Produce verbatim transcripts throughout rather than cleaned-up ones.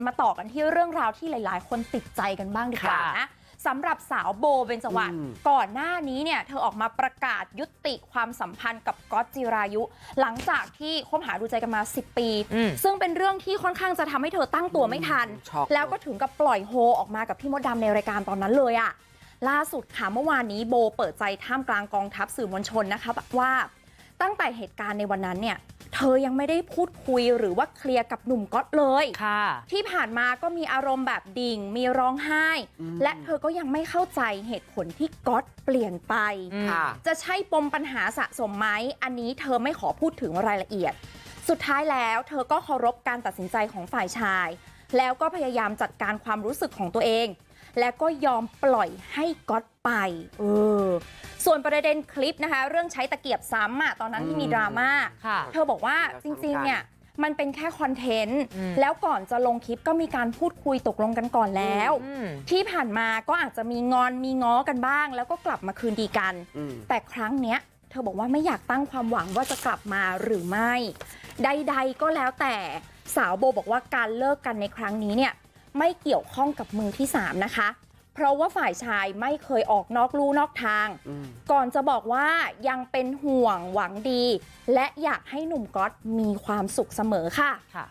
มาต่อกันที่เรื่องราวที่หลายๆ คนติดใจกันบ้างดีกว่านะสำหรับสาวโบเบญจวรรณก่อนหน้านี้เนี่ยเธอออกมาประกาศยุติความสัมพันธ์กับก๊อตจิรายุหลังจากที่คบหาดูใจกันมาสิบปีซึ่งเป็นเรื่องที่ค่อนข้างจะทำให้เธอตั้งตัวไม่ทันแล้วก็ถึงกับปล่อยโฮออกมากับพี่มดดำในรายการตอนนั้นเลยอะล่าสุดค่ะเมื่อวานนี้โบเปิดใจท่ามกลางกองทัพสื่อมวลชนนะคะว่าตั้งแต่เหตุการณ์ในวันนั้นเนี่ยเธอยังไม่ได้พูดคุยหรือว่าเคลียร์กับหนุ่มก๊อตเลยค่ะที่ผ่านมาก็มีอารมณ์แบบดิ่งมีร้องไห้และเธอก็ยังไม่เข้าใจเหตุผลที่ก๊อตเปลี่ยนไปจะใช่ปมปัญหาสะสมไหมอันนี้เธอไม่ขอพูดถึงรายละเอียดสุดท้ายแล้วเธอก็เคารพการตัดสินใจของฝ่ายชายแล้วก็พยายามจัดการความรู้สึกของตัวเองและก็ยอมปล่อยให้ก๊อตไปเออส่วนประเด็นคลิปนะคะเรื่องใช้ตะเกียบซ้ำอ่ะตอนนั้นที่มีดราม่าเธอบอกว่าจริงๆเนี่ยมันเป็นแค่คอนเทนต์แล้วก่อนจะลงคลิปก็มีการพูดคุยตกลงกันก่อนแล้วที่ผ่านมาก็อาจจะมีงอนมีง้อกันบ้างแล้วก็กลับมาคืนดีกันแต่ครั้งเนี้ยเธอบอกว่าไม่อยากตั้งความหวังว่าจะกลับมาหรือไม่ใดๆก็แล้วแต่สาวโบบอกว่าการเลิกกันในครั้งนี้เนี่ยไม่เกี่ยวข้องกับมือที่สามนะคะเพราะว่าฝ่ายชายไม่เคยออกนอกลู่นอกทางก่อนจะบอกว่ายังเป็นห่วงหวังดีและอยากให้หนุ่มก๊อตมีความสุขเสมอค่ะค่ะ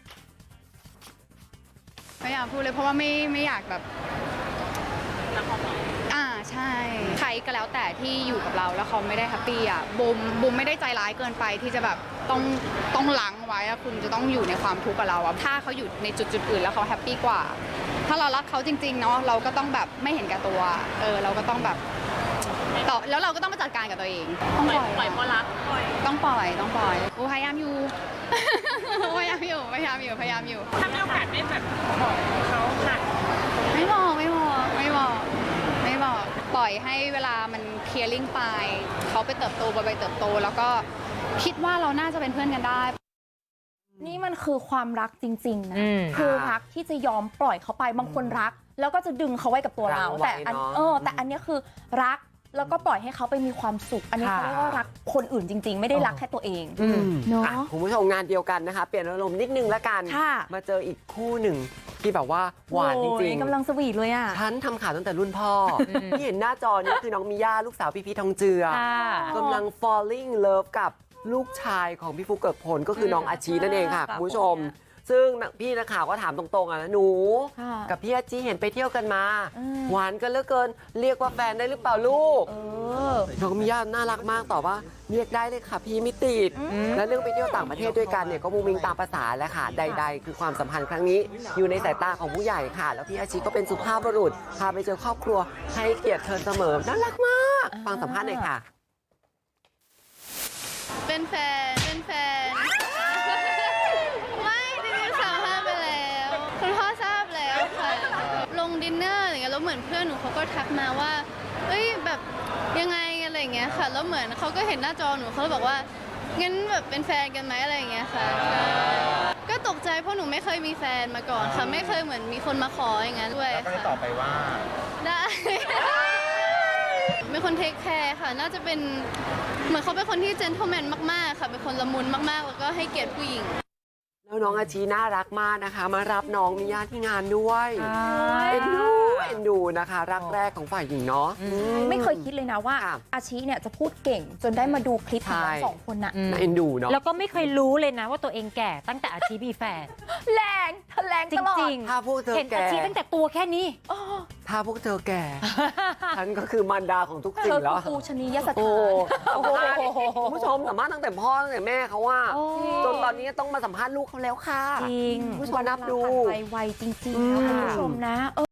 ไม่อยากพูดเลยเพราะว่าไม่ไม่อยากแบบอ่าใช่ใครก็แล้วแต่ที่อยู่กับเราแล้วเขาไม่ได้แฮปปี้อ่ะบุมบุมไม่ได้ใจร้ายเกินไปที่จะแบบต้องต้องล้างไว้อะคุณจะต้องอยู่ในความทุกข์กับเราอะถ้าเขาอยู่ในจุดจุดอื่นแล้วเขาแฮปปี้กว่าถ้าเรารักเขาจริงๆเนาะเราก็ต้องแบบไม่เห็นแก่ตัวเออเราก็ต้องแบบต่อแล้วเราก็ต้องมาจัดการกับตัวเองต้องปล่อยปล่อยเพราะรักต้องปล่อยต้องปล่อยกูพยายามอยู่ พยายามอยู่พยายามอยู่พยายามอยู่ถ้ามีโอกาสได้แบบบอกเขาค่ะไม่บอกไม่บอกไม่บอกไม่บอกปล่อยให้เวลามันเคลียร์ลิงไปเขาไปเติบโตไปเติบโตแล้วก็คิดว่าเราน่าจะเป็นเพื่อนกันได้นี่มันคือความรักจริงๆนะคือรักที่จะยอมปล่อยเขาไปบางคนรักแล้วก็จะดึงเขาไว้กับตัวเราแต่อันเออแต่อันนี้คือรักแล้วก็ปล่อยให้เขาไปมีความสุขอันนี้เขาเรียกว่ารักคนอื่นจริงๆไม่ได้รักแค่ตัวเองเนาะคุณผู้ชมงานเดียวกันนะคะเปลี่ยนอารมณ์นิดนึงละกันมาเจออีกคู่หนึ่งที่แบบว่าหวานจริงๆกำลังสวีทเลยอ่ะฉันทำข่าวตั้งแต่รุ่นพ่อที่เห็นหน้าจอนี้คือน้องมิย่าลูกสาวพี่พีทองเจือกำลัง falling love กับลูกชายของพี่ฟุกเกิกพลก็คือน้องอาชีนั่นเองค่ะคุณผู้ชมซึ่งพี่นักข่าวก็ถามตรงๆอ่ะนะหนูกับพี่อาชีเห็นไปเที่ยวกันมาหวานกันเหลือเกินเรียกว่าแฟนได้หรือเปล่าลูกน้องมิย่าน่ารักมากตอบว่าเรียกได้เลยค่ะพี่ไม่ติดและเรื่องไปเที่ยวต่างประเทศด้วยกันเนี่ยก็มุ้งมิ้งตามภาษาแหละค่ะใดๆคือความสัมพันธ์ครั้งนี้อยู่ในสายตาของผู้ใหญ่ค่ะแล้วพี่อาชีก็เป็นสุภาพบุรุษพาไปเจอครอบครัวให้เกียรติเธอเสมอน่ารักมากฟังสัมภาษณ์หน่อยค่ะเป็นแฟนเป็นแฟนไม่จริงๆสัมภาษณ์ไปแล้วคุณพ่อทราบแล้วค่ะลงดินเนอร์อะไรเงี้ยแล้วเหมือนเพื่อนหนูเขาก็ทักมาว่าเอ้ยแบบยังไงอะไรเงี้ยค่ะแล้วเหมือนเขาก็เห็นหน้าจอหนูเขาเลยบอกว่างั้นแบบเป็นแฟนกันไหมอะไรเงี้ยค่ะก็ตกใจเพราะหนูไม่เคยมีแฟนมาก่อนค่ะไม่เคยเหมือนมีคนมาขออย่างนั้นด้วยค่ะตอบไปว่าได้เป็นคนเทคแคร์ค่ะน่าจะเป็นเหมือนเขาเป็นคนที่เจนเทลแมนมากๆค่ะเป็นคนละมุนมากๆแล้วก็ให้เกียรติผู้หญิงแล้วน้องอาชีน่ารักมากนะคะมารับน้องมิย่าที่งานด้วยเอ็นดูเอ็นดูนะคะรักแรกของฝ่ายหญิงเนาะไม่เคยคิดเลยนะว่าอาชีเนี่ยจะพูดเก่งจนได้มาดูคลิปของทั้งสองคนน่ะเอ็นดูเนาะแล้วก็ไม่เคยรู้เลยนะว่าตัวเองแก่ตั้งแต่อาชีมีแฟนแรงแรงจริงๆถ้าพวกเธอเห็นอาชีตั้งแต่ตัวแค่นี้ถ้าพวกเธอแก่ฉันก็คือมารดาของทุกสิ่งแล้วปูชนียสถานคุณผู้ชมสัมภาษณ์ตั้งแต่พ่อตั้งแต่แม่เขาว่าจนตอนนี้ต้องมาสัมภาษณ์ลูกเขาแล้วค่ะจริงผู้ชมนับดูไปไวจริงๆนะคุณผู้ชมนะ